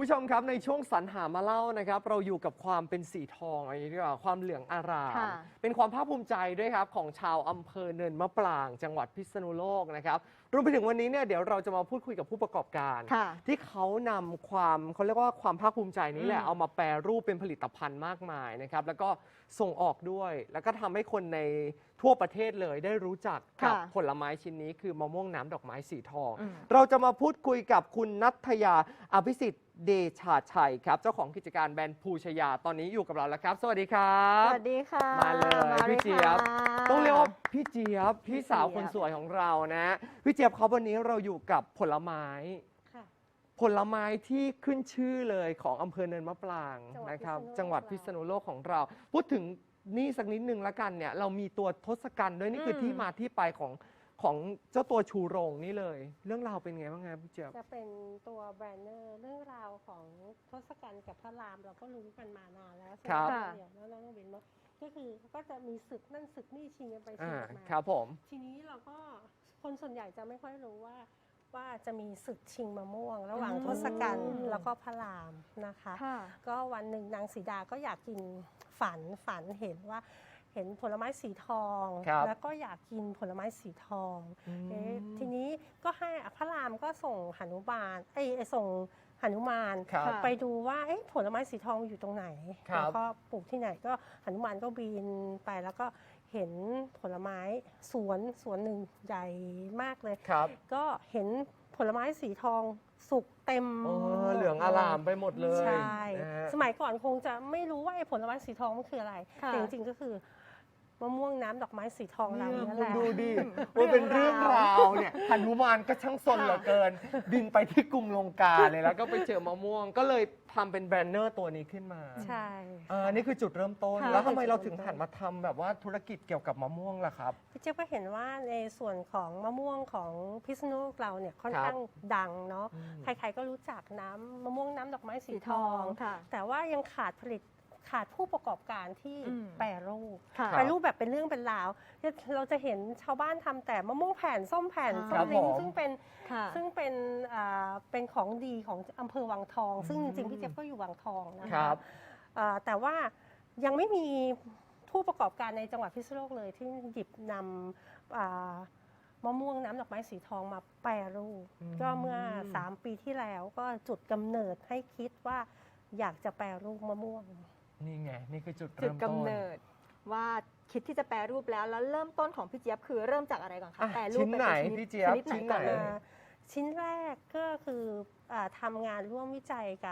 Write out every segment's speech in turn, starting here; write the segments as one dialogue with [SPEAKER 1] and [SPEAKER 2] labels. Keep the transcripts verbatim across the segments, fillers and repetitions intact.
[SPEAKER 1] ผู้ชมครับในช่วงสรรหามาเล่านะครับเราอยู่กับความเป็นสีทองอะไรอย่างนี้ดีกว่าความเหลืองอารามเป็นความภาคภูมิใจด้วยครับของชาวอำเภอเนินมะปรางจังหวัดพิษณุโลกนะครับรวมไปถึงวันนี้เนี่ยเดี๋ยวเราจะมาพูดคุยกับผู้ประกอบการที่เขานำความเขาเรียกว่าความภาคภูมิใจนี้แหละเอามาแปรรูปเป็นผลิตภัณฑ์มากมายนะครับแล้วก็ส่งออกด้วยแล้วก็ทำให้คนในทั่วประเทศเลยได้รู้จักกับผลไม้ชิ้นนี้คือมะม่วงน้ำดอกไม้สีทองเราจะมาพูดคุยกับคุณณัฐยาอภิสิทธิ์เดชาชัยครับเจ้าของกิจการแบรนด์ภูชยาตอนนี้อยู่กับเราแล้วครับสวัสดีครับ
[SPEAKER 2] สวัสดีค่ะ
[SPEAKER 1] มาเลยพี่เจี๊ยบต้องเรียกว่าพี่เจี๊ยบพี่สาวคนสวยของเรานะพี่เจี๊ยบครับวันนี้เราอยู่กับผลไม้ผลไม้ที่ขึ้นชื่อเลยของอำเภอเนินมะปรางนะครับจังหวัดพิษณุโลกของเราพูดถึงนี่สักนิดนึงละกันเนี่ยเรามีตัวทศกัณฐ์ด้วยนี่คือที่มาที่ไปของของเจ้าตัวชูโรงนี่เลยเรื่องราวเป็นไงบ้างครับพี่เจี๊ยบ
[SPEAKER 3] จะเป็นตัวแบรนเนอร์เรื่องราวของทศกัณฐ์กับพระรามเราก็รู้กันมานานแล้วใช่ไหมเดี๋ยวแล้วน้องเบนก็คือก็จะมีศึกนั่นศึกนี่ชิงกันไปชิงกันมา
[SPEAKER 1] ครับผม
[SPEAKER 3] ทีนี้เราก็คนส่วนใหญ่จะไม่ค่อยรู้ว่าว่าจะมีศึกชิงมะม่วงระหว่างทศกัณฐ์แล้วก็พระรามนะคะก็วันหนึ่งนางสีดาก็อยากกินฝันฝันเห็นว่าเห็นผลไม้สีทองแล้วก็อยากกินผลไม้สีทองเอ๊ะทีนี้ก็ให้พระรามก็ส่งหนุมานไอ้ส่งหนุมานไปดูว่าเอ๊ะผลไม้สีทองอยู่ตรงไหนแล้วก็ปลูกที่ไหนก็หนุมานก็บินไปแล้วก็เห็นผลไม้สวนสวนหนึ่งใหญ่มากเลยก็เห็นผลไม้สีทองสุกเต็ม
[SPEAKER 1] เหลืองอลามไปหมดเลย
[SPEAKER 3] ใช่สมัยก่อนคงจะไม่รู้ว่าไอ้ผลไม้สีทองมันคืออะไรแต่จริงๆก็คือมะม่วงน้ำดอกไม้สีทองเราเนี่ยแหละ
[SPEAKER 1] ดูดิว่าเป็นเรื่องราวเนี่ยหนุมานก็ช่างซนเหลือเกินบินไปที่กรุงลงกาเลยแล้วก็ไปเจอมะม่วงก็เลยทำเป็นแบรนเนอร์ตัวนี้ขึ้นมา
[SPEAKER 3] ใช่
[SPEAKER 1] อันนี้คือจุดเริ่มต้นแล้วทำไมเราถึงหันมาทำแบบว่าธุรกิจเกี่ยวกับมะม่วงล่ะครับ
[SPEAKER 3] พี่เจ๊ก็เห็นว่าในส่วนของมะม่วงของพิษณุโลกเราเนี่ยค่อนข้างดังเนาะใครๆก็รู้จักน้ำมะม่วงน้ำดอกไม้สีทองแต่ว่ายังขาดผลิตขาดผู้ประกอบการที่แปรรูปแปรรูปแบบเป็นเรื่องเป็นราวเราจะเห็นชาวบ้านทำแต่มะม่วงแผ่นส้มแผ่นส้มลิ้นซึ่งเป็นซึ่งเป็นเป็นของดีของอำเภอวังทองซึ่งจริงๆพี่เจี๊ยบก็อยู่วังทองนะคะแต่ว่ายังไม่มีผู้ประกอบการในจังหวัดพิษณุโลกเลยที่หยิบนำมะม่วงน้ำดอกไม้สีทองมาแปรรูปก็เมื่อสามปีที่แล้วก็จุดกำเนิดให้คิดว่าอยากจะแปรรูปมะม่วง
[SPEAKER 1] นี่ไงนี่คือจุด
[SPEAKER 2] จุดกำเนิดว่าคิดที่จะแปรรูปแล้วแล้วเริ่มต้นของพี่เจี๊ยบคือเริ่มจากอะไรก่อนคะแปรรูป
[SPEAKER 1] ชิ้นไหนพี่เจี๊ยบ
[SPEAKER 2] ชิ้นไหน
[SPEAKER 3] ชิ้นแรกก็คือทำงานร่วมวิจัยกับ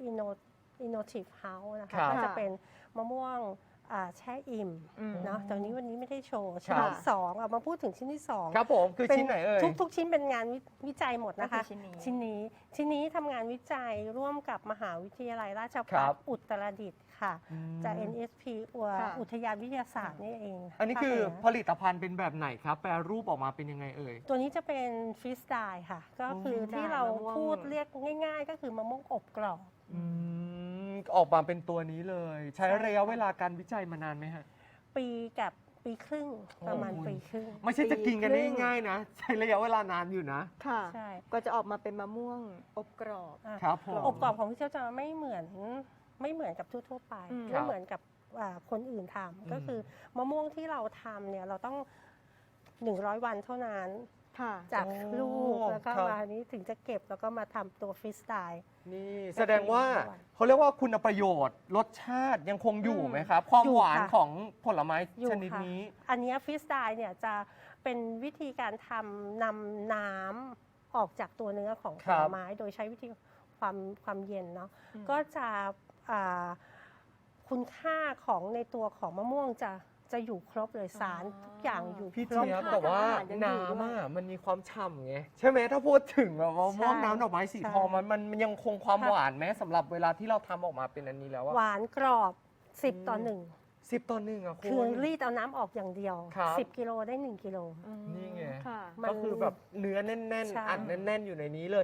[SPEAKER 3] Innovative House นะคะก็จะเป็นมะม่วงแช่อิ่มเนาะตอนนี้วันนี้ไม่ได้โชว์ชิ้นที่สองเอามาพูดถึงชิ้นที่สอง
[SPEAKER 1] ครับผมคือชิ้นไหนเอ่ย
[SPEAKER 3] ทุกทุกชิ้นเป็นงานวิจัยหมดนะคะชิ้นนี้ชิ้นนี้ชิ้นนี้ทำงานวิจัยร่วมกับมหาวิทยาลัยราชภัฏอุตรดิตถ์ค่ะจาก เอ็น เอส พี อุทยานวิทยาศาสตร์นี่เอง
[SPEAKER 1] อันนี้คือผลิตภัณฑ์เป็นแบบไหนครับแปรรูปออกมาเป็นยังไงเอ่ย
[SPEAKER 3] ตัวนี้จะเป็นฟรีสไตล์ค่ะก็คือที่เราพูดเรียกง่ายๆก็คือมะม่วงอบกรอบ
[SPEAKER 1] ออกมาเป็นตัวนี้เลยใช้ระยะเวลาการวิจัยมานานไหมฮะ
[SPEAKER 3] ปีกับปีครึ่งประมาณปีครึ่ง
[SPEAKER 1] ไม่ใช่จะกินกันได้ง่ายนะใช้ระยะเวลานานอยู่นะ
[SPEAKER 2] ค่ะใช่ก็จะออกมาเป็นมะม่วงอบกรอบ
[SPEAKER 1] ครับผม
[SPEAKER 3] อบกรอบของพี่เจ้าจะไม่เหมือนไม่เหมือนกับทั่วๆไปไม่เหมือนกับคนอื่นทำก็คือมะม่วงที่เราทำเนี่ยเราต้องหนึ่งร้อยวันเท่านั้นจากลูกแล้วก็มานี้ถึงจะเก็บแล้วก็มาทำตัวฟรีสไตล์
[SPEAKER 1] นี่แสดงว่าเขาเรียกว่าคุณประโยชน์รสชาติยังคงอยู่ไหมครับความหวานของผลไม้ชนิดนี้
[SPEAKER 3] อันนี้ฟรีสไตล์เนี่ยจะเป็นวิธีการทำนำน้ำออกจากตัวเนื้อของผลไม้โดยใช้วิธีความความเย็นเนาะก็จะคุณค่าของในตัวของมะม่วงจะจะอยู่ครบเลยสารทุกอย่างอยู่
[SPEAKER 1] พี่เจี๊ยบแต่ว่าน้ำอ่ะมันมีความฉ่ำไงใช่ไหมถ้าพูดถึงแบบว่ามะม่วงน้ำดอกไม้สีทองมันมันยังคงความหวานไหมสำหรับเวลาที่เราทำออกมาเป็นอันนี้แล้ว
[SPEAKER 3] หวานกรอบสิบต่อหนึ่ง
[SPEAKER 1] สิบต่อหนึ่งอ่ะ
[SPEAKER 3] คือรีดเอาน้ำออกอย่างเดียวสิบกิโลได้หนึ่งกิโล
[SPEAKER 1] นี่ไงก็คือแบบเนื้อแน่นๆอัดแน่นๆอยู่ในนี้เลย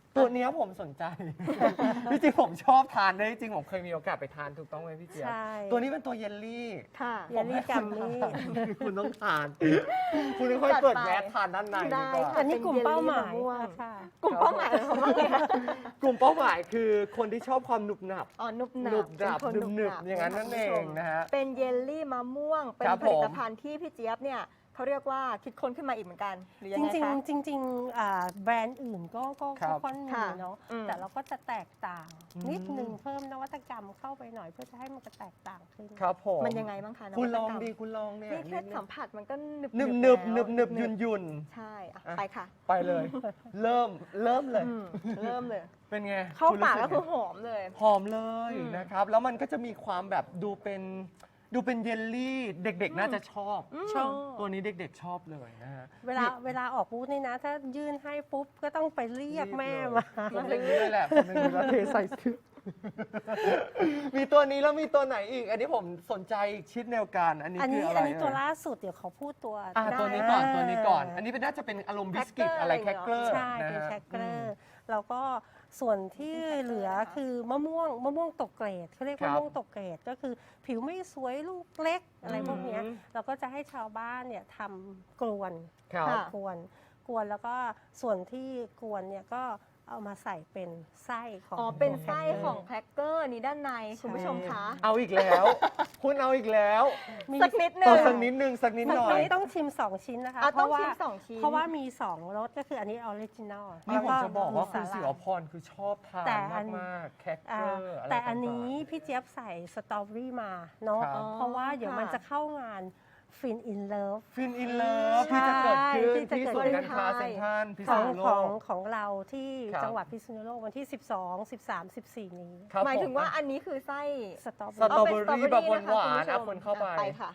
[SPEAKER 1] ตัวเนี้ยผมสนใจ จริงๆผมชอบทานด้วยจริงๆผมเคยมีโอกาสไปทานถูกต้องไหมพี่เจี๊ยบ
[SPEAKER 3] ใช่
[SPEAKER 1] ตัวนี้เป็นตัวเยลลี่
[SPEAKER 2] ค่ะ
[SPEAKER 3] เยลลี่กัมมี่
[SPEAKER 1] คุณต้องทาน คุณค่อยๆเปิดแมสทานด้านในดี
[SPEAKER 2] ได้
[SPEAKER 1] กว่า
[SPEAKER 2] ค่ะ
[SPEAKER 3] อันนี้กลุ่มเป้าหมาย
[SPEAKER 2] เป็นเยลลี่มะม่วง
[SPEAKER 3] ค่ะ
[SPEAKER 2] กลุ่มเป้าหมายของเราเลยค่ะ
[SPEAKER 1] กลุ่มเป้าหมายคือคนที่ชอบความหนุบหนับ
[SPEAKER 2] อ๋อนุบหนั
[SPEAKER 1] หนุ
[SPEAKER 2] บบ
[SPEAKER 1] หนับ
[SPEAKER 2] เป็นคน
[SPEAKER 1] หนึบ
[SPEAKER 2] ห
[SPEAKER 1] ๆอย่างนั้นนั่นเองนะฮะ
[SPEAKER 2] เป็นเยลลี่มะม่วง เป็น
[SPEAKER 1] ครับ
[SPEAKER 2] ผลิต
[SPEAKER 1] ผม
[SPEAKER 2] ภัณฑ์ที่พี่เจี๊ยบเนี่ยเขาเรียกว่าคิดค้นขึ้นมาอีกเหมือนกัน หรือยั
[SPEAKER 3] จ
[SPEAKER 2] งไง
[SPEAKER 3] ริง
[SPEAKER 2] คะ
[SPEAKER 3] ๆจริงๆอ่าแบรนด์อื่นก็ก็
[SPEAKER 1] ครั
[SPEAKER 3] ก็
[SPEAKER 1] บ
[SPEAKER 3] ค่อนมี
[SPEAKER 2] ค่ะ
[SPEAKER 3] เนาะ
[SPEAKER 2] อืม
[SPEAKER 3] แต่เราก็จะแตกต่าง
[SPEAKER 1] อืม
[SPEAKER 3] นิดนึงเพิ่มนวัตกรรมเข้าไปหน่อยเพื่อจะให้มันจะแตกต่างขึ้น
[SPEAKER 1] ครับผม
[SPEAKER 2] มันยังไงบ้างคะน
[SPEAKER 1] คุณ
[SPEAKER 2] วัต
[SPEAKER 1] ลอง
[SPEAKER 2] กรรม
[SPEAKER 1] ดีคุณลองเนี่ย
[SPEAKER 2] นี่แค่สัมผัสมันก็หนึบ
[SPEAKER 1] หนึบหนึบหนึ
[SPEAKER 2] แล้ว
[SPEAKER 1] บหนึบหยุนหยุน
[SPEAKER 2] ใช่อ่ะ
[SPEAKER 1] อ่ะ
[SPEAKER 2] ไปค่ะ
[SPEAKER 1] ไปเลย เริ่มเริ่มเลย
[SPEAKER 2] อืมเริ่มเลย
[SPEAKER 1] เป็นไง
[SPEAKER 2] เข้า
[SPEAKER 1] คุณ
[SPEAKER 2] ปาก
[SPEAKER 1] รู้สึ
[SPEAKER 2] ก็คือ
[SPEAKER 1] ไง
[SPEAKER 2] หอมเลย
[SPEAKER 1] หอมเลย
[SPEAKER 2] อืม
[SPEAKER 1] นะครับ แล้วมันก็จะมีความแบบดูเป็นดูเป็นเยลลี่ เด็กๆ น่าจะชอบ
[SPEAKER 2] อืม
[SPEAKER 3] ชอบ
[SPEAKER 1] ตัวนี้เด็กๆชอบเลยนะฮะ
[SPEAKER 3] เวลาเวลาออกบูธนี่นะ ถ้ายื่นให้ปุ๊บ ก็ต้องไปเรียกแม่มา
[SPEAKER 1] ผมอย่างนี้เลยแหละผมอย่างนี้แล้วเทใส่ซื้อ มีตัวนี้แล้วมีตัวไหนอีก อันนี้ผมสนใจอีกชิ้นแนวกัน อันนี้
[SPEAKER 3] อัน
[SPEAKER 1] คื
[SPEAKER 3] นี้
[SPEAKER 1] ออะไร
[SPEAKER 3] อันนี้ตัว
[SPEAKER 1] เอ่ย
[SPEAKER 3] ล่าสุดเดี๋ยวเขาพูดตัว
[SPEAKER 1] อ่ะ
[SPEAKER 2] ได้
[SPEAKER 1] ตัวนี้ก่อนตัวนี้ก่อน อันนี้เป็นน่าจะเป็นอารมณ์บิสกิต
[SPEAKER 2] แครกเกอร์
[SPEAKER 1] อะไร
[SPEAKER 2] อะไร
[SPEAKER 1] แครกเกอร์
[SPEAKER 3] ใช่
[SPEAKER 1] นะ
[SPEAKER 3] เป็น
[SPEAKER 1] ฮะ
[SPEAKER 3] แครกเกอร์แล้วก็ส่วนที่เหลือคือมะม่วงมะม่วงตกเกรดเขาเรียก
[SPEAKER 1] ครั
[SPEAKER 3] มะ
[SPEAKER 1] บ
[SPEAKER 3] ม่วงตกเกรดก็คือผิวไม่สวยลูกเล็กอะไรพวกเนี้ย
[SPEAKER 1] อืม
[SPEAKER 3] เราก็จะให้ชาวบ้านเนี่ยทำกลวน
[SPEAKER 1] ครับ
[SPEAKER 2] ค่ะ
[SPEAKER 3] กวนกวนแล้วก็ส่วนที่กวนเนี่ยก็เอามาใส่เป็นไส้ของ
[SPEAKER 2] อ๋อ เป็น
[SPEAKER 3] ตัว
[SPEAKER 2] ไส้
[SPEAKER 3] แครกเกอร์
[SPEAKER 2] ของแครกเกอร์นี้ด้านใน คุณผู้ชมคะ
[SPEAKER 1] เอาอีกแล้ว คุณเอาอีกแล้ว
[SPEAKER 3] มี
[SPEAKER 2] สักนิดหนึ
[SPEAKER 1] ต่อง สักนิดนึงสักนิดหน่อย
[SPEAKER 3] ต้องชิม สอง ชิ้นนะคะ
[SPEAKER 2] อ่ะ
[SPEAKER 3] เพ
[SPEAKER 2] ต้อง
[SPEAKER 3] ราะว่า
[SPEAKER 2] ชิมสองชิ้น
[SPEAKER 3] เพราะว่ามีสองรสก็คืออันนี้ออริจินอล
[SPEAKER 1] นี่ผมจะบอกว่าคุณ
[SPEAKER 3] มี
[SPEAKER 1] สิ
[SPEAKER 3] ส
[SPEAKER 1] ว
[SPEAKER 3] หร่ย
[SPEAKER 1] พรคือชอบทาน
[SPEAKER 3] แต่อัน
[SPEAKER 1] มากๆแครกเก
[SPEAKER 3] อ่า
[SPEAKER 1] อร์อะไร
[SPEAKER 3] แต่อันนี้
[SPEAKER 1] ต่างๆ
[SPEAKER 3] พี่เจี๊ยบใส่สตรอเบอรี่มาเนาะ
[SPEAKER 1] ครับ
[SPEAKER 3] เพราะว่าเดี๋ยวมัน
[SPEAKER 2] ค่ะ
[SPEAKER 3] จะเข้างานฟินอินเลิฟ
[SPEAKER 1] ฟินอินเลิฟที่จะเกิดขึ้น
[SPEAKER 3] ที่จะ
[SPEAKER 1] ที่
[SPEAKER 3] เกิด
[SPEAKER 1] ศูนย์การค้า
[SPEAKER 2] ขึ้น
[SPEAKER 1] เซ็นทรัลพิษ
[SPEAKER 3] ของ
[SPEAKER 1] ณุโล
[SPEAKER 3] ของ
[SPEAKER 1] ก
[SPEAKER 3] ของเราที่
[SPEAKER 1] ครับ
[SPEAKER 3] จังหวัดพิษณุโลกวันที่ สิบสอง สิบสาม สิบสี่ นี้
[SPEAKER 1] ครับ
[SPEAKER 2] หมายถึง
[SPEAKER 1] ผ
[SPEAKER 2] ว่าอันนี้คือไส้
[SPEAKER 3] สตรอเบ
[SPEAKER 1] ส
[SPEAKER 3] อ
[SPEAKER 1] ตรอ
[SPEAKER 3] รี่
[SPEAKER 1] เบอรี่แบบหวานๆ
[SPEAKER 2] สตรอ
[SPEAKER 1] อ่ะ
[SPEAKER 2] บ
[SPEAKER 1] คนเข้าไป
[SPEAKER 2] ไปค่ะ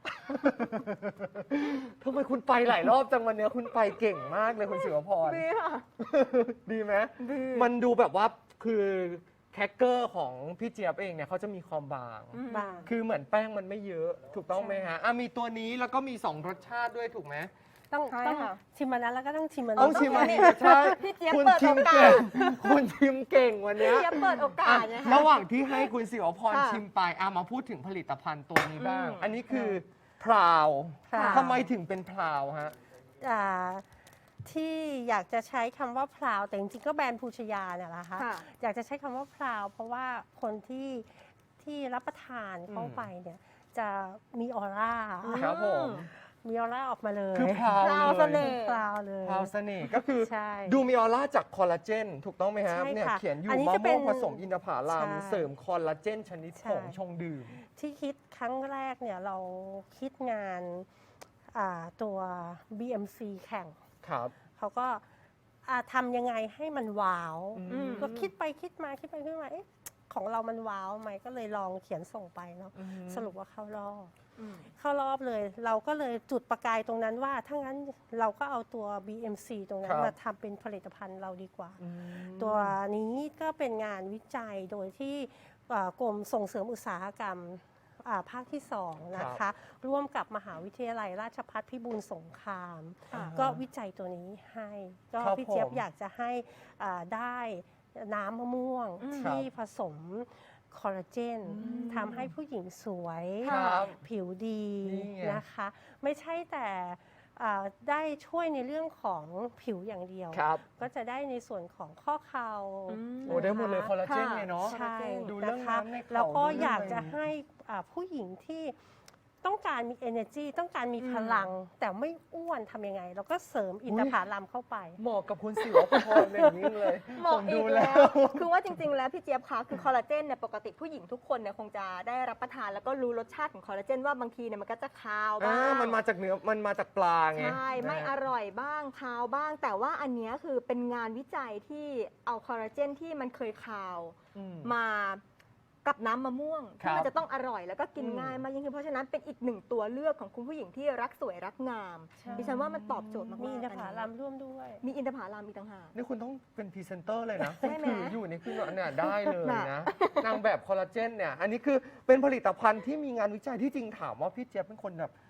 [SPEAKER 1] ทำไมคุณไปหลายรอบจังวันเนี้ยคุณไปเก่งมากเลยคุณสิวพร
[SPEAKER 2] ดีค่ะ
[SPEAKER 1] ดีไหม
[SPEAKER 2] ดี
[SPEAKER 1] มันดูแบบว่าคือแครกเกอร์ของพี่เจี๊ยบเองเนี่ยเขาจะมีความบาง
[SPEAKER 2] อืม
[SPEAKER 3] บาง
[SPEAKER 1] คือเหมือนแป้งมันไม่เยอะ ถูกต้องไหม
[SPEAKER 3] ใช่
[SPEAKER 1] ฮะอ่ะมีตัวนี้แล้วก็มีสองรสชาติด้วยถูกไหม
[SPEAKER 3] ต้อง
[SPEAKER 2] ใช่
[SPEAKER 3] ต้อง
[SPEAKER 2] ค่ะ
[SPEAKER 3] ชิมมันนั้นแล้วก็ต้องชิมมัน
[SPEAKER 1] ต้อง
[SPEAKER 3] นี้
[SPEAKER 1] ชิมอันนี้
[SPEAKER 2] ต้อง
[SPEAKER 1] ใช่
[SPEAKER 2] พี่เจี๊ยบ
[SPEAKER 1] คุณ
[SPEAKER 2] เปิด
[SPEAKER 1] ชิม
[SPEAKER 2] โอกา
[SPEAKER 1] เก่
[SPEAKER 2] ส
[SPEAKER 1] งคุณชิมเก่งวันเนี้ย
[SPEAKER 2] พี่เจี๊ยบเปิดโอกา
[SPEAKER 1] อ่ะ
[SPEAKER 2] สไงคะ
[SPEAKER 1] ระหว่างที่ให้คุณสิวพร
[SPEAKER 2] ค่ะ
[SPEAKER 1] ชิมไปอ่ะมาพูดถึงผลิตภัณฑ์ตัวนี้บ้าง
[SPEAKER 2] อืม
[SPEAKER 1] อันนี้คือพราว
[SPEAKER 3] ค่ะ
[SPEAKER 1] ทำไมถึงเป็นพราวฮะ
[SPEAKER 3] อ่าที่อยากจะใช้คำว่าพลาวแต่จริงๆก็แบรนด์ภูชยาเนี่ยแหละคะ
[SPEAKER 2] ค่ะ
[SPEAKER 3] อยากจะใช้คำว่าพลาวเพราะว่าคนที่ที่รับประทานเข้า
[SPEAKER 1] อืม
[SPEAKER 3] ไปเนี่ยจะมีออร่า
[SPEAKER 1] ครับผม
[SPEAKER 3] มีออร่าออกมาเลย
[SPEAKER 1] คือพราว
[SPEAKER 2] พราว
[SPEAKER 1] เล
[SPEAKER 2] เส
[SPEAKER 1] ย
[SPEAKER 2] น่ห์
[SPEAKER 3] พลาวเลย
[SPEAKER 1] พราวเสน่ห์ก็คือ
[SPEAKER 3] ใช่
[SPEAKER 1] ดูมีออร่าจากคอลลาเจนถูกต้องไหมฮะ
[SPEAKER 3] ใช่
[SPEAKER 1] เนี่ย
[SPEAKER 3] ค่ะ
[SPEAKER 1] เขียนอยู่
[SPEAKER 3] อันนี้
[SPEAKER 1] มะ
[SPEAKER 3] จะเป็
[SPEAKER 1] ม่วน งผสมอินทผลัม
[SPEAKER 3] ใช่
[SPEAKER 1] เสริมคอลลาเจนชนิด
[SPEAKER 3] ใช่
[SPEAKER 1] ผงชงดื่ม
[SPEAKER 3] ที่คิดครั้งแรกเนี่ยเราคิดงานอ่าตัว บี เอ็ม ซี แข่ง
[SPEAKER 1] ครับ
[SPEAKER 3] เขาก็อ่าทำยังไงให้มันว้าว
[SPEAKER 1] อืม
[SPEAKER 3] ก็คิดไปคิดมาคิดไปคิดมาเอ๊ะของเรามันว้าวไหมก็เลยลองเขียนส่งไปเนาะ
[SPEAKER 1] อืม
[SPEAKER 3] สรุปว่าเข้ารอบ
[SPEAKER 2] อืม
[SPEAKER 3] เข้ารอบเลย เราก็เลยจุดประกายตรงนั้นว่าถ้างั้นเราก็เอาตัว บี เอ็ม ซี ตรงนั้
[SPEAKER 1] คน รับ
[SPEAKER 3] มาทำเป็นผลิตภัณฑ์เราดีกว่า
[SPEAKER 1] อืม
[SPEAKER 3] ตัวนี้ก็เป็นงานวิจัยโดยที่อ่ากรมส่งเสริมอุตสาหกรรมอ่าภาคที่สองนะคะ ร่วมกับมหาวิทยาลัยราชภัฏพิบูลสงคราม
[SPEAKER 2] ค่ะ
[SPEAKER 3] ก็วิจัยตัวนี้ให้ ก็
[SPEAKER 1] ครับ
[SPEAKER 3] พี่เจี๊ยบ
[SPEAKER 1] ผม
[SPEAKER 3] อยากจะให้อ่าได้น้ำมะม่วง
[SPEAKER 2] อืม
[SPEAKER 3] ที่ผสมคอลลาเจน
[SPEAKER 1] อืม
[SPEAKER 3] ทำให้ผู้หญิงสวย
[SPEAKER 1] ครับ
[SPEAKER 3] ผิวดี
[SPEAKER 1] นี่ไง
[SPEAKER 3] นะคะ ไม่ใช่แต่อ่าได้ช่วยในเรื่องของผิวอย่างเดียว
[SPEAKER 1] ครับ
[SPEAKER 3] ก็จะได้ในส่วนของข้อเข่า
[SPEAKER 2] อืม
[SPEAKER 1] โอ้ได้หมดเลยคอลลาเจน
[SPEAKER 2] ค่ะ
[SPEAKER 1] ไงเนาะ
[SPEAKER 3] ใช่
[SPEAKER 1] ดูเรื่อง
[SPEAKER 3] นะคะ
[SPEAKER 1] น้ำในเข่า
[SPEAKER 3] แล้วก็
[SPEAKER 1] ดูเรื่อง
[SPEAKER 3] อยากจะ
[SPEAKER 1] อะไร
[SPEAKER 3] ให้อ่าผู้หญิงที่ต้องการมี energy ต้องการมี
[SPEAKER 2] อืม
[SPEAKER 3] พลัง แต่ไม่อ้วนทำยังไง แล้วก็เสริมอินทผลัมเข้าไป
[SPEAKER 1] เหมาะกับคุณสิวพรอย่างนี้เลย
[SPEAKER 2] เหมาะ
[SPEAKER 1] ผม
[SPEAKER 2] อี
[SPEAKER 1] ดู
[SPEAKER 2] ก
[SPEAKER 1] แล้
[SPEAKER 2] แล้ว ว คือว่าจริงๆ แล้วพี่เจี๊ยบคะคือคอลลาเจนเนี่ยปกติผู้หญิงทุกคนเนี่ยคงจะได้รับประทานแล้วก็รู้รสชาติของคอลลาเจนว่าบางทีเนี่ยมันก็จะคาวบ้า
[SPEAKER 1] อ่าง มันมาจากเนื้อ มันมาจากปลาไง
[SPEAKER 2] ใช่ ไม่
[SPEAKER 1] นะ
[SPEAKER 2] อ
[SPEAKER 1] ฮะ
[SPEAKER 2] ร่อยบ้างคาวบ้าง แต่ว่าอันเนี้ยคือเป็นงานวิจัยที่เอาคอลลาเจนที่มันเคยคาว
[SPEAKER 1] อืม
[SPEAKER 2] มากับน้ำมะม่วง
[SPEAKER 1] ครั
[SPEAKER 2] ที่
[SPEAKER 1] บ
[SPEAKER 2] มันจะต้องอร่อยแล้วก็กิน
[SPEAKER 1] อืม
[SPEAKER 2] ง่ายมากยิ่งขึ้นเพราะฉะนั้นเป็นอีกหนึ่งตัวเลือกของคุณผู้หญิงที่รักสวยรักงาม
[SPEAKER 3] ใช่
[SPEAKER 2] ดิฉันว่ามันตอบโจทย์มากๆ
[SPEAKER 3] มีอินทผ
[SPEAKER 2] อัน
[SPEAKER 3] ลั
[SPEAKER 2] นี้
[SPEAKER 3] มร่วมด้วย
[SPEAKER 2] มีอินทผลัมอีกต่างหาก
[SPEAKER 1] นี่คุณต้องเป็นพรีเซนเตอร์เลยนะ
[SPEAKER 2] ใช่ไหม
[SPEAKER 1] ถืออยู่นี่คือเนี่ยได้เลย
[SPEAKER 2] น่ะ
[SPEAKER 1] นะ นางแบบคอลลาเจนเนี่ย อันนี้คือเป็นผลิตภัณฑ์ที่มีงานวิจัยที่จริงถามว่าพี่เจี๊ยบเป็นคนแบบ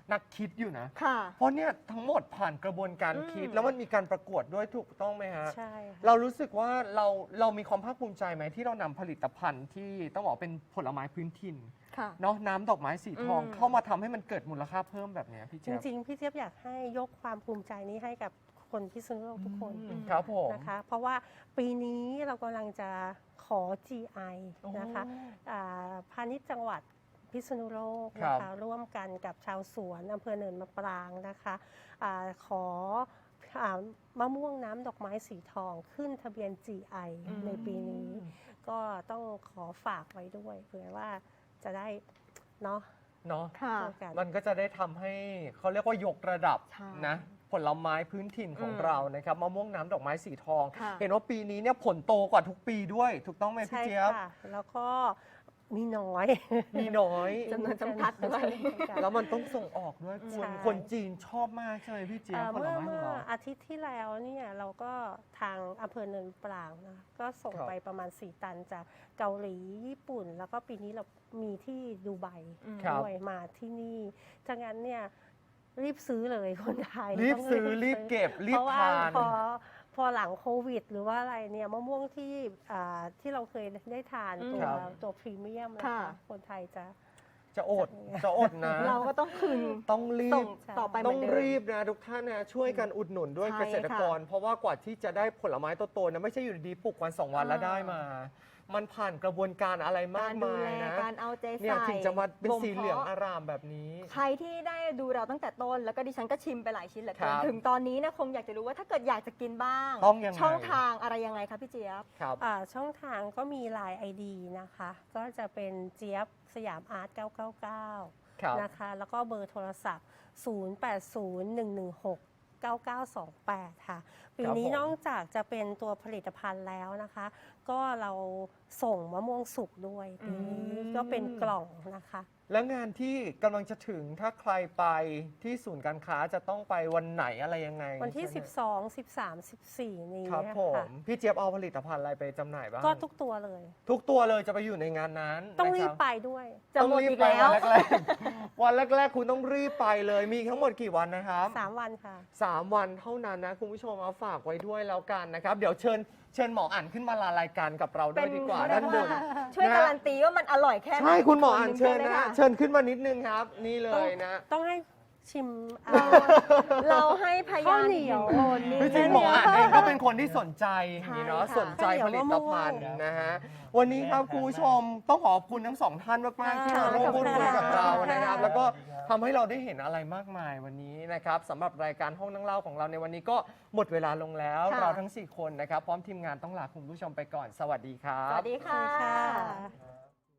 [SPEAKER 1] นักคิดอยู่นะ
[SPEAKER 2] ค่ะ
[SPEAKER 1] เพราะเนี่ยทั้งหมดผ่านกระบวนการ
[SPEAKER 2] อืม
[SPEAKER 1] คิด แล้วมันมีการประกวดด้วยถูกต้องไหมฮะ
[SPEAKER 3] ใช่ค่ะ
[SPEAKER 1] เรารู้สึกว่าเราเรามีความภาคภูมิใจไหมที่เรานำผลิตภัณฑ์ที่ต้องบอกเป็นผลไม้พื้นถิ่น
[SPEAKER 2] ค่ะ
[SPEAKER 1] เนาะน้ำดอกไม้สีทอง
[SPEAKER 2] อืม
[SPEAKER 1] เข้ามาทำให้มันเกิดมูลค่าเพิ่มแบบเนี้ยพี่
[SPEAKER 3] จ
[SPEAKER 1] เจี๊ยบ
[SPEAKER 3] ริงๆ พี่เจี๊ยบอยากให้ยกความภูมิใจนี้ให้กับคนพิษณุโลกทุกคน
[SPEAKER 1] อืมครับผม
[SPEAKER 3] นะคะ เพราะว่าปีนี้เรากำลังจะขอ จี ไอ
[SPEAKER 1] โอ้
[SPEAKER 3] นะคะอ่าพาณิชย์จังหวัดพิษณุโลก
[SPEAKER 1] ครั
[SPEAKER 3] นะ
[SPEAKER 1] บ
[SPEAKER 3] คะร่วมกันกับชาวสวนอำเภอเนินมะปรางนะคะอาขออามะม่วงน้ำดอกไม้สีทองขึ้นทะเบียน จี ไอ
[SPEAKER 2] อืม
[SPEAKER 3] ในปีนี้ ก็ต้องขอฝากไว้ด้วยเผื่อว่าจะได้เนาะ
[SPEAKER 1] เนาะ
[SPEAKER 2] ค่ะ
[SPEAKER 3] ช่วยกัน
[SPEAKER 1] มันก็จะได้ทำให้เขาเรียกว่ายกระดับ
[SPEAKER 2] ใช่
[SPEAKER 1] นะผลไม้พื้นถิ่นของ
[SPEAKER 2] อืม
[SPEAKER 1] เรานะครับมะม่วงน้ำดอกไม้สีทอง
[SPEAKER 2] ค่ะ
[SPEAKER 1] เห็นว่าปีนี้เนี่ยผลโตกว่าทุกปีด้วย ถูกต้องไหมพี่
[SPEAKER 3] ใช่
[SPEAKER 1] เจี๊ยบ
[SPEAKER 3] ค่ะ แล้วก็มีน้อย
[SPEAKER 1] มีน้อย
[SPEAKER 2] จำนวนจำกัดด้วย
[SPEAKER 1] แล้วมันต้องส่งออกด้วยค
[SPEAKER 3] ใช่
[SPEAKER 1] นคนจีนชอบมากใช่ไหมพี่เจี๊ยบ
[SPEAKER 3] เอ่อ
[SPEAKER 1] ผล
[SPEAKER 3] เมื่อ
[SPEAKER 1] ไม้ขอ
[SPEAKER 3] เมื่
[SPEAKER 1] ง
[SPEAKER 3] อ
[SPEAKER 1] เรา
[SPEAKER 3] อาทิตย์ที่แล้วเนี่ยเราก็ทางอำเภอเนินปรางนะก็ส่ง
[SPEAKER 1] ครับ
[SPEAKER 3] ไปประมาณ สี่ ตันจากเกาหลีญี่ปุ่น แล้วก็ปีนี้เรามีที่ดูไบ
[SPEAKER 2] อืม
[SPEAKER 3] ด้วยมาที่นี่จากนั้นเนี่ยรีบซื้อเลยคนไทย
[SPEAKER 1] รีบ
[SPEAKER 3] ต้อง
[SPEAKER 1] ซื้อรีบเก็บรี
[SPEAKER 3] เพ
[SPEAKER 1] บ
[SPEAKER 3] ราะว่า
[SPEAKER 1] ทาน
[SPEAKER 3] พอพอหลังโควิด หรือว่าอะไรเนี่ยมะม่วงที่อ่าที่เราเคยได้ทาน
[SPEAKER 2] อืม
[SPEAKER 3] ตัว
[SPEAKER 1] ครับ
[SPEAKER 3] ตัวพรีเมียมนะ
[SPEAKER 2] ค่ะ
[SPEAKER 3] คะคนไทยจะ
[SPEAKER 1] จะอดจะอดนะ
[SPEAKER 2] เราก็ต้องคืน
[SPEAKER 1] ต้องรี
[SPEAKER 2] ส่ง
[SPEAKER 1] บ
[SPEAKER 2] ต่อไปเห
[SPEAKER 1] ต้
[SPEAKER 2] มื
[SPEAKER 1] อ
[SPEAKER 2] อง นเดิม
[SPEAKER 1] รีบนะทุกท่านนะช่วยกันอุดหนุนด้วย
[SPEAKER 2] ใช่
[SPEAKER 1] เกษตรกร เพราะว่ากว่าที่จะได้ผลไม้โตๆนะไม่ใช่อยู่ดีๆปลูกวันสองวันแล้วได้มา มันผ่านกระบวนการอะไรมาก
[SPEAKER 2] การดู
[SPEAKER 1] มาย
[SPEAKER 2] แล
[SPEAKER 1] นะ
[SPEAKER 2] การเอาใจ
[SPEAKER 1] เนี่ย
[SPEAKER 2] ใส่
[SPEAKER 1] ถึงจะมาเป็น
[SPEAKER 2] บ่ม
[SPEAKER 1] สีเหลือง
[SPEAKER 2] พาะ
[SPEAKER 1] อารามแบบนี้
[SPEAKER 2] ใครที่ได้ดูเราตั้งแต่ต้น แล้วก็ดิฉันก็ชิมไปหลายชิ้นเหลือเกิ
[SPEAKER 1] คน รับ
[SPEAKER 2] ถึงตอนนี้เนะคงอยากจะรู้ว่าถ้าเกิดอยากจะกินบ้าง
[SPEAKER 1] ต้องยังไง
[SPEAKER 2] ช่องทางอะไรยังไงคะพี่เจี๊ยบ
[SPEAKER 1] ครับ
[SPEAKER 3] อ่าช่องทางก็มี ไลน์ ไอ ดี นะคะ ก็จะเป็นเจี๊ยบสยามอาร์ตเก้าเก้าเก้า
[SPEAKER 1] ครับ
[SPEAKER 3] นะคะ แล้วก็เบอร์โทรศัพท์ ศูนย์ แปด ศูนย์ หนึ่ง หนึ่ง หก เก้า เก้า สอง แปด ค่ะ ปีนี้
[SPEAKER 1] ผม
[SPEAKER 3] นอกจากจะเป็นตัวผลิตภัณฑ์แล้วนะคะ ก็เราส่งมะม่วงสุกด้วยปีนี้
[SPEAKER 1] อืม
[SPEAKER 3] ก็เป็นกล่องนะคะ
[SPEAKER 1] แล้วงานที่กำลังจะถึงถ้าใครไปที่ศูนย์การค้าจะต้องไปวันไหนอะไรยังไง
[SPEAKER 3] วันที่
[SPEAKER 1] ใช่ไหม
[SPEAKER 3] สิบสอง สิบสาม สิบสี่ นี้
[SPEAKER 1] ครับผ
[SPEAKER 3] ค่ะ
[SPEAKER 1] มพี่เจี๊ยบเอาผลิตภัณฑ์อะไรไปจำหน่ายบ้าง
[SPEAKER 3] ก็ทุกตัวเลย
[SPEAKER 1] ทุกตัวเลยจะไปอยู่ในงานนั้น
[SPEAKER 3] ต้อง
[SPEAKER 1] นะค
[SPEAKER 3] รี
[SPEAKER 1] บบ
[SPEAKER 3] ไปด้วย
[SPEAKER 2] จะหมด
[SPEAKER 1] ต้องรีบ
[SPEAKER 2] อีก
[SPEAKER 1] ไป
[SPEAKER 2] แล้ว
[SPEAKER 1] วันแรกๆ วันแรกๆ คุณต้องรีบไปเลย มีทั้งหมดกี่วันนะครับ
[SPEAKER 3] สาม วันค่ะ
[SPEAKER 1] สามวันเท่านั้นนะคุณผู้ชมเอาฝากไว้ด้วยแล้วกันนะครับ เดี๋ยวเชิญเชิญหมออ่านขึ้นมาลารายการกับเราด้วยดีกว่า
[SPEAKER 2] เป็น
[SPEAKER 1] ด้านบน
[SPEAKER 2] ช่วย
[SPEAKER 1] นะ
[SPEAKER 2] การันตีว่ามันอร่อยแค่ไหน
[SPEAKER 1] ใช่คุณหมออ่าน
[SPEAKER 2] ค
[SPEAKER 1] เชิญ
[SPEAKER 2] หง
[SPEAKER 1] นะ
[SPEAKER 2] ใช่ไหม
[SPEAKER 1] เชิญขึ้นมานิดนึงครับ นี่เลยนะ
[SPEAKER 3] ต้องให้ชิมอ่า
[SPEAKER 2] เราให้พยา
[SPEAKER 3] ข้าวน เหนียว
[SPEAKER 2] อีกหนึ่งคนนี่
[SPEAKER 1] จริงๆหมออ่านเองก็เป็นคนที่สนใจอย่างนี้เนาะ
[SPEAKER 2] ใช่ค่ะ
[SPEAKER 1] สนใจผลิตภัณฑ์นะฮะวันนี้ครับคุณผู้ชมต้องขอบคุณทั้งสองท่านมากๆที่มาร่วมพูดคุยกับเรานะครับ แล้วก็ทำให้เราได้เห็นอะไรมากมายวันนี้นะครับสำหรับรายการห้องนั่งเล่าของเราในวันนี้ก็หมดเวลาลงแล้ว
[SPEAKER 2] ค่ะ
[SPEAKER 1] เราทั้งสี่คนนะครับพร้อมทีมงานต้องลาคุณผู้ชมไปก่อนสวัสดีครับ
[SPEAKER 2] สวัสดี
[SPEAKER 3] สวัสดี
[SPEAKER 2] ค่ะ
[SPEAKER 3] ค่ะ